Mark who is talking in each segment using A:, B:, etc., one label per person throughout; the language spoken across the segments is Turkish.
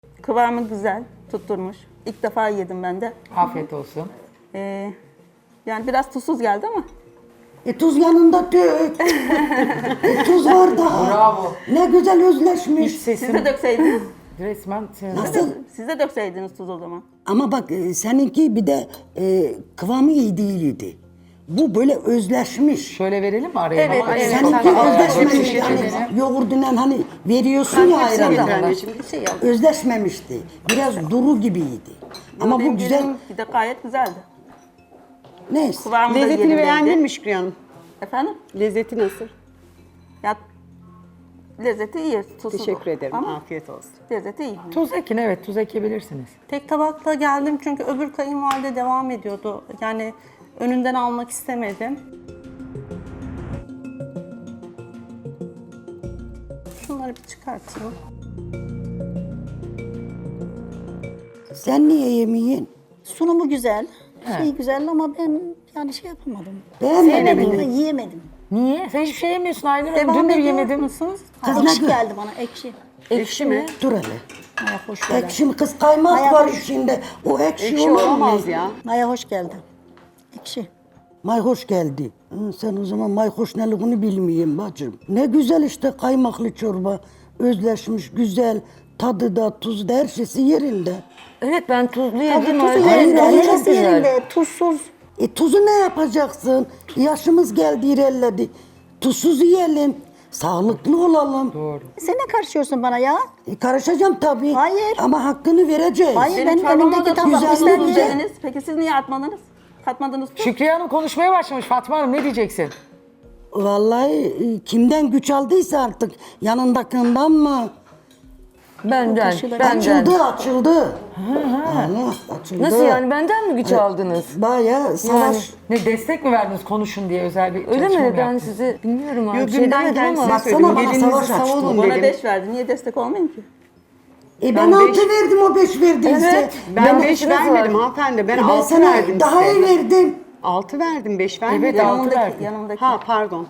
A: Kıvamı güzel, tutturmuş. İlk defa yedim ben de.
B: Afiyet olsun.
A: Yani biraz tuzsuz geldi ama.
C: Tuz yanında dök. Tuz var daha.
B: Bravo.
C: Ne güzel
B: Hiç
C: özleşmiş.
A: Siz de
B: sesim
A: dökseydiniz.
B: resmen senin.
C: Nasıl?
A: Siz de dökseydiniz tuz o zaman.
C: Ama bak seninki bir de kıvamı iyi değildi. Bu böyle özleşmiş.
B: Şöyle verelim mi araya?
D: Evet,
B: Baba?
D: evet.
C: Seninki özleşmemiş.
B: Hepsi
C: Yani
B: şişesini.
C: yoğurdundan hani veriyorsun ya
D: Hepsini
C: ayranı.
D: getir anneciğim. Bir şey yap.
C: Özleşmemişti. Biraz duru gibiydi. Ama
A: Benim
C: bu güzel.
A: yedim de gayet güzeldi.
C: Neyse.
A: Kıvamı da
D: Lezzetini
A: yerindeydi.
D: beğendin mi Şükriye Hanım?
A: Efendim?
D: Lezzeti nasıl?
A: Ya lezzeti iyi, tuzsuz.
D: Teşekkür ederim.
A: Ama
D: Afiyet olsun.
A: lezzeti iyi.
B: Tuz ekin, evet, tuz ekebilirsiniz.
E: Tek tabakla geldim çünkü öbür kayınvalide devam ediyordu. Yani önünden almak istemedim. Şunları bir çıkartayım.
C: Sen niye yemeyin?
F: Sunumu güzel, şey güzel ama ben yani şey yapamadım.
C: Beğenmedin mi?
F: Sevmedim, yiyemedim.
B: Niye? Sen hiçbir şey yemiyorsun Aylin Hanım.
E: Devam
B: Dün de
E: ediyor
B: yemedin.
E: musunuz?
C: Kız ne
F: Ekşi
C: gör-
F: geldi bana, ekşi.
D: Ekşi mi?
C: Dur hele.
F: Maya hoş geldi.
C: Ekşi kız kaymak
F: Maya
C: var
F: hoş.
C: içinde. O ekşi,
D: Ekşi
C: olur mu?
D: olamaz ya.
F: Maya hoş geldi. Ekşi.
C: Mayhoş geldi. Sen o zaman mayhoş neliğini bilmeyeyim bacım. Ne güzel işte kaymaklı çorba. Özleşmiş, güzel. Tadı da, tuzu da her şeysi yerinde.
G: Evet ben tuzlu
F: Tadı
G: yedim.
F: tuzu
G: Ayrıca
F: yerinde,
C: hayır,
F: her
G: çok
F: şeysi
G: güzel.
F: yerinde, tuzsuz.
C: Tuzu ne yapacaksın? Yaşımız geldi ilerledi. Tuzsuz yiyelim. Sağlıklı olalım.
B: Doğru.
F: Sen ne karışıyorsun bana ya?
C: Karışacağım tabii.
F: Hayır.
C: Ama hakkını vereceğiz.
F: Hayır,
A: Benim
F: benim
A: çorbama
F: önümdeki
A: da
F: tabak
A: tuzsuz
C: güzel
F: ister
C: olacak.
F: ye.
A: dediniz. Peki siz niye atmadınız? Katmadınız tuz.
B: Şükriye Hanım konuşmaya başlamış. Fatma Hanım ne diyeceksin?
C: Vallahi kimden güç aldıysa artık yanındakinden mı?
G: Benden.
C: Açıldı, açıldı. Allah açıldı.
G: Nasıl yani benden mi güç aldınız?
C: Bayağı savaş.
B: Ne destek mi verdiniz konuşun diye özel bir
G: Öyle
B: çalışma
G: mi?
B: mı
G: Ben
B: yaptınız?
G: size bilmiyorum abi.
D: Yok
G: Bir şey
D: dünden
G: demedim ama.
D: kendisine
C: Baksana
D: söyledim.
C: bana
D: Gelinizi
C: savaş açtı.
D: savunun
A: Bana
D: dedim.
A: 5 verdi. Niye destek olmayayım ki?
C: Ben
D: Ben
C: 6
D: beş-
C: verdim o 5 verdiyse.
G: Evet.
D: Ben 5
G: beşiniz var.
D: vermedim hanımefendi. Ben
C: Ben
D: 6
C: sana
D: verdim
C: daha iyi
D: size.
C: verdim.
D: 6 verdim, 5 vermedim.
B: Evet, altı verdin.
A: Yanımdaki.
D: Ha pardon.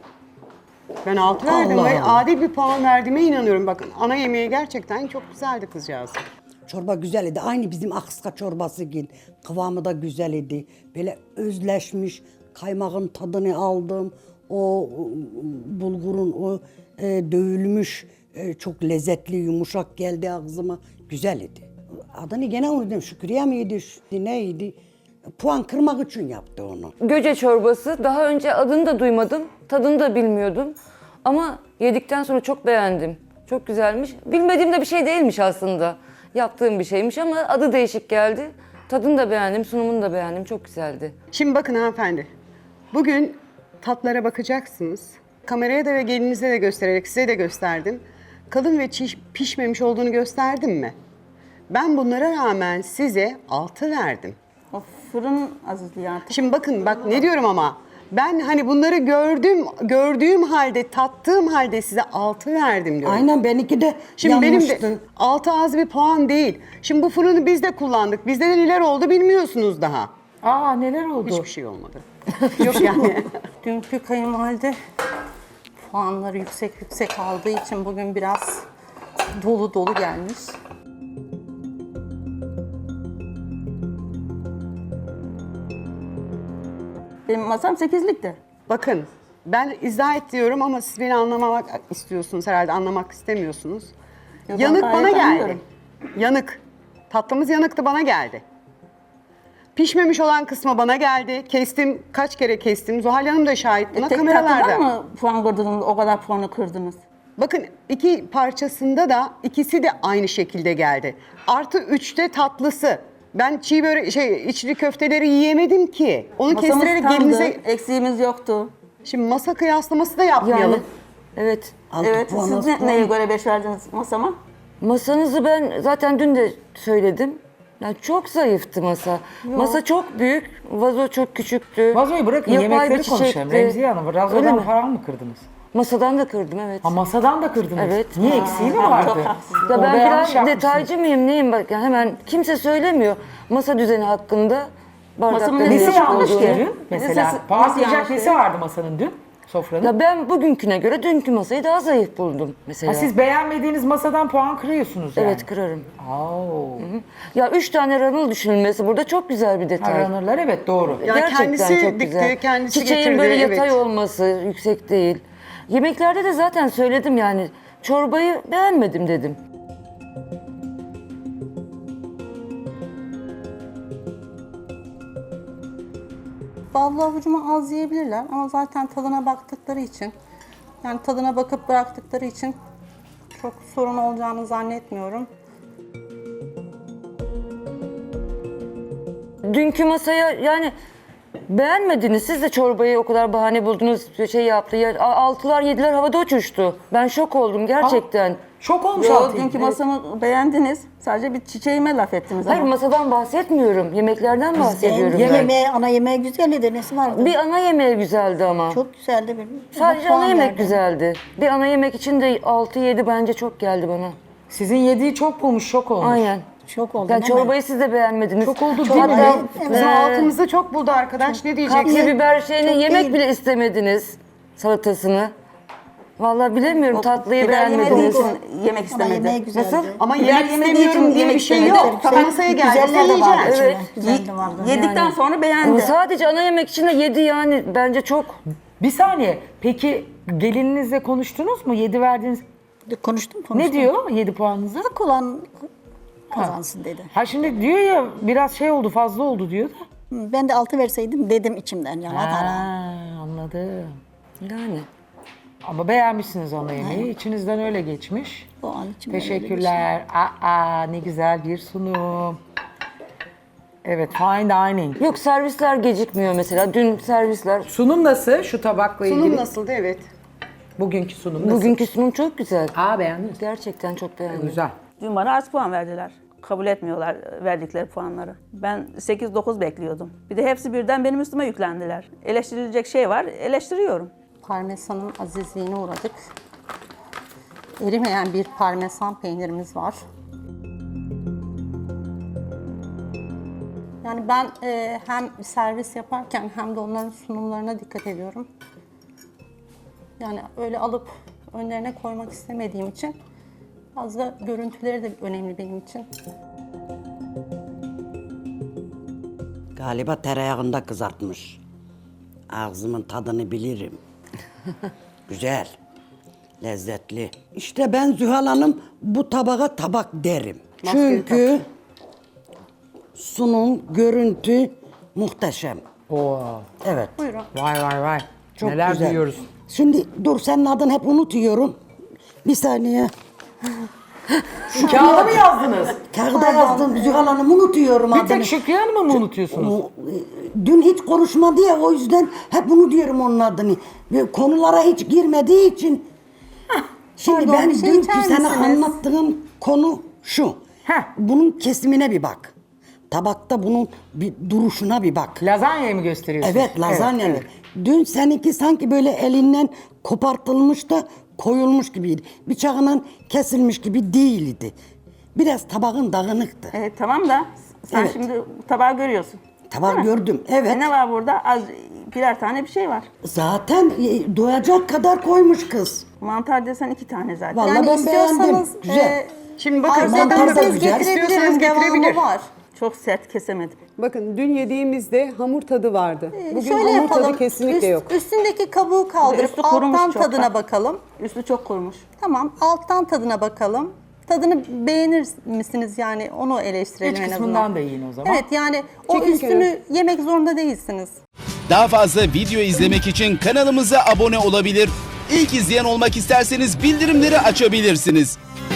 D: Ben 6 verdim
C: Allah
D: ve
C: Allah.
D: adil bir puan verdiğime inanıyorum. Bakın ana yemeği gerçekten çok güzeldi kızcağız.
C: Çorba güzel idi. Aynı bizim akıska çorbası gibi. Kıvamı da güzel idi. Böyle özleşmiş. Kaymağın tadını aldım. O bulgurun o dövülmüş çok lezzetli yumuşak geldi ağzıma. Güzel idi. Adını gene unuttum. Şükriye miydi? Neydi? Puan kırmak için yaptı onu.
G: Göce çorbası. Daha önce adını da duymadım. Tadını da bilmiyordum. Ama yedikten sonra çok beğendim. Çok güzelmiş. Bilmediğim de bir şey değilmiş aslında. Yaptığım bir şeymiş ama adı değişik geldi. Tadını da beğendim, sunumunu da beğendim. Çok güzeldi.
D: Şimdi bakın hanımefendi. Bugün tatlara bakacaksınız. Kameraya da ve gelinize de göstererek size de gösterdim. Kalın ve pişmemiş olduğunu gösterdim mi? Ben bunlara rağmen size 6 verdim.
A: O fırın azizliği artık.
D: Şimdi bakın bak ne diyorum ama ben hani bunları gördüğüm halde tattığım halde size 6 verdim diyorum.
C: Aynen benimki de
D: Şimdi
C: yanmıştı.
D: benim de 6 az bir puan değil. Şimdi bu fırını biz de kullandık. Bizde de neler oldu bilmiyorsunuz daha.
B: Aa neler oldu?
D: Hiçbir şey olmadı. Yok yani.
E: Dünkü kayınvalide puanları yüksek aldığı için bugün biraz dolu dolu gelmiş.
A: Benim masam 8'likti.
D: Bakın ben izah et diyorum ama siz beni anlamamak istiyorsunuz herhalde anlamak istemiyorsunuz.
A: Yok, ben
D: Yanık
A: gayet
D: bana geldi.
A: anlıyorum.
D: Yanık. Tatlımız yanıktı bana geldi. Pişmemiş olan kısmı bana geldi. Kestim. Kaç kere kestim. Zuhal Hanım da şahit buna
A: Tek
D: kameralarda.
A: tatlıdan mı puan kırdınız, o kadar puanı kırdınız?
D: Bakın iki parçasında da ikisi de aynı şekilde geldi. Artı 3'te tatlısı. Ben çiğ börek, içli köfteleri yiyemedim ki. Onu
A: Masamız
D: kestirerek
A: tamdı,
D: gelinize...
A: eksiğimiz yoktu.
D: Şimdi masa kıyaslaması da yapmayalım.
G: Yani evet.
C: 6
A: Evet,
C: puan,
A: siz
C: az puan.
A: neye göre 5 verdiniz masama?
G: Masanızı ben zaten dün de söyledim. Yani çok zayıftı masa. Masa çok büyük, vazo çok küçüktü.
B: Vazoyu bırakın,
G: Yapay bir
B: yemekleri konuşalım.
G: çiçekti.
B: Remziye Hanım,
G: Öyle
B: vazodan
G: mi?
B: falan mı kırdınız?
G: Masadan da kırdım evet.
B: Ha masadan da kırdınız.
G: Evet.
B: Niye eksiği mi
A: çok
B: vardı?
A: haksız.
G: Ya
B: Orada
G: ben
B: yanlış
G: biraz
B: yapmışsınız.
G: detaycı mıyım neyim bak yani hemen kimse söylemiyor masa düzeni hakkında
A: Masamın
G: bardakların
B: Nesi
A: Nesi
G: değişik
B: yanlış
G: olduğunu.
B: ki dün? Mesela
A: Nesi
B: patlıcan
A: yanlış
B: kesi
A: ki?
B: vardı masanın dün. sofranın?
G: Ya ben bugünküne göre dünkü masayı daha zayıf buldum mesela.
B: Ha, siz beğenmediğiniz masadan puan kırıyorsunuz yani.
G: Evet, kırarım.
B: Oo.
G: Ya 3 tane ranıl düşünülmesi burada çok güzel bir detay.
B: Runner'lar evet doğru.
D: Ya
G: Gerçekten
D: kendisi
G: çok
D: dikti,
G: güzel.
D: kendisi
G: Çiçeğin
D: getirdi,
G: böyle
D: evet.
G: yatay olması, yüksek değil. Yemeklerde de zaten söyledim yani. Çorbayı beğenmedim dedim.
E: Ballı avucumu az yiyebilirler ama zaten tadına baktıkları için, yani tadına bakıp bıraktıkları için çok sorun olacağını zannetmiyorum.
G: Dünkü masaya yani beğenmediniz. Siz de çorbayı o kadar bahane buldunuz, şey yaptı. Ya, 6'lar 7'ler havada uçuştu. Ben şok oldum gerçekten.
B: Şok olmuş
A: Yo,
B: altı.
A: dünkü masamı beğendiniz. Sadece bir çiçeğime laf ettiniz
G: Hayır,
A: ama.
G: masadan bahsetmiyorum. Yemeklerden bahsediyorum. ben.
F: Yemeğe, ana yemeğe güzel idi. Nesi vardı?
G: Bir ana yemeği güzeldi ama.
F: Çok güzeldi benim.
G: Sadece
F: Puan
G: ana yemek
F: verdim.
G: güzeldi. Bir ana yemek için de 6-7 bence çok geldi bana.
B: Sizin yediği çok bulmuş, şok olmuş.
G: Aynen.
F: Çok oldu.
G: Yani
F: değil mi?
G: çorbayı siz de beğenmediniz.
B: Çok oldu
F: Çok
B: değil mi?
F: oldu.
D: Bizim altımızda çok buldu arkadaş. Ne diyeceksin?
G: Kapya biber şeyini
F: Çok
G: yemek
F: değil.
G: bile istemediniz. Salatasını. Vallahi bilemiyorum, tatlıyı
A: Biber yemediği
G: beğenmediniz.
A: için yemek
F: Ana yemeği
A: istemedi.
F: güzeldi.
G: Nasıl?
D: Ama
A: Biber
D: yemek
A: yemediği
D: istemiyorum
A: için
D: diye bir
A: yemek
D: şey
A: istemedi.
D: yok. Tam masaya geldi.
F: Güzeller de vardı
D: yiyeceğiz.
F: içinde.
G: Evet.
F: Güzel de vardı.
A: Yedikten sonra
G: Ama
A: beğendi.
G: sadece ana yemek için de 7 yani bence çok.
B: Bir saniye. Peki gelininizle konuştunuz mu? 7 verdiğiniz...
F: Konuştum.
B: Ne diyor 7 puanınıza?
F: Hak olan kazansın dedi.
B: Ha şimdi diyor ya biraz şey oldu, fazla oldu diyor da.
F: Ben de 6 verseydim dedim içimden. Yani hata.
B: Anladım.
G: Yani.
B: Ama beğenmişsiniz ana yemeği. İçinizden öyle geçmiş.
F: O an içimden öyle
B: Teşekkürler. Aa, ne güzel bir sunum. Evet, fine dining.
G: Yok, servisler gecikmiyor mesela. Dün servisler.
B: Sunum nasıl şu tabakla ilgili?
D: Sunum nasıldı? Evet.
B: Bugünkü sunum nasıl?
G: Bugünkü sunum çok güzel.
B: Aa, beğendiniz.
G: Gerçekten çok beğendim.
B: Güzel.
H: Dün bana az puan verdiler. Kabul etmiyorlar verdikleri puanları. Ben 8-9 bekliyordum. Bir de hepsi birden benim üstüme yüklendiler. Eleştirilecek şey var, eleştiriyorum.
E: Parmesanın azizliğine uğradık. Erimeyen bir parmesan peynirimiz var. Yani ben hem servis yaparken hem de onların sunumlarına dikkat ediyorum. Yani öyle alıp önlerine koymak istemediğim için fazla görüntüleri de önemli benim için.
C: Galiba tereyağında kızartmış. Ağzımın tadını bilirim. Güzel, lezzetli. İşte ben Zühal Hanım bu tabağa tabak derim. Çünkü sunum, görüntü muhteşem.
B: Oo.
C: Evet.
E: Buyurun.
B: Vay vay vay.
C: Çok
B: Neler
C: güzel.
B: duyuyoruz.
C: Şimdi dur, senin adını hep unutuyorum. Bir saniye.
B: Kağıda mı yazdınız?
C: Kağıda yazdım, Zühal Hanım unutuyorum
B: Bir
C: adını.
B: tek Şükriye Hanım'ı mı unutuyorsunuz?
C: Dün hiç konuşmadı ya, o yüzden hep bunu diyorum onun adını. Ve konulara hiç girmediği için. Şimdi
E: Pardon,
C: ben
E: bir şey
C: dünkü
E: içer
C: sana
E: misiniz?
C: anlattığım konu şu.
B: Heh.
C: Bunun kesimine bir bak. Tabakta bunun bir duruşuna bir bak.
B: Lazanyayı mı gösteriyorsunuz?
C: Evet, lazanya.
B: Evet,
C: Dün seninki sanki böyle elinden kopartılmış da koyulmuş gibiydi. Bıçağından kesilmiş gibi değildi. Biraz tabağın dağınıktı.
A: Evet, tamam da sen
C: Evet.
A: şimdi tabağı görüyorsun.
C: Tabağı gördüm, evet.
A: Ne var burada? Az birer tane bir şey var.
C: Zaten doyacak kadar koymuş kız.
A: Mantar desen 2 tane zaten.
C: Vallahi
E: Yani
C: ben beğendim.
E: istiyorsanız
C: Güzel.
D: Şimdi bakın
E: arzu
C: mantar da
E: ederseniz
C: güzel.
E: getirebilirim.
D: İstiyorsanız
E: Devamı
D: getirebilir.
E: var.
A: Çok sert kesemedim.
D: Bakın dün yediğimizde hamur tadı vardı. Bugün
E: Şöyle
D: hamur
E: yapalım.
D: tadı kesinlikle yok.
E: Üstündeki kabuğu kaldırıp
A: Üstü kurumuş
E: alttan
A: çok
E: tadına
A: da.
E: bakalım.
A: Üstü çok kurumuş.
E: Tamam, alttan tadına bakalım. Tadını beğenir misiniz yani onu eleştirelim
B: İç
E: en azından.
B: kısmından da yiyin o zaman.
E: Evet, yani o
D: Çekin
E: üstünü yemek zorunda değilsiniz.
I: Daha fazla video izlemek için kanalımıza abone olabilir. İlk izleyen olmak isterseniz bildirimleri açabilirsiniz.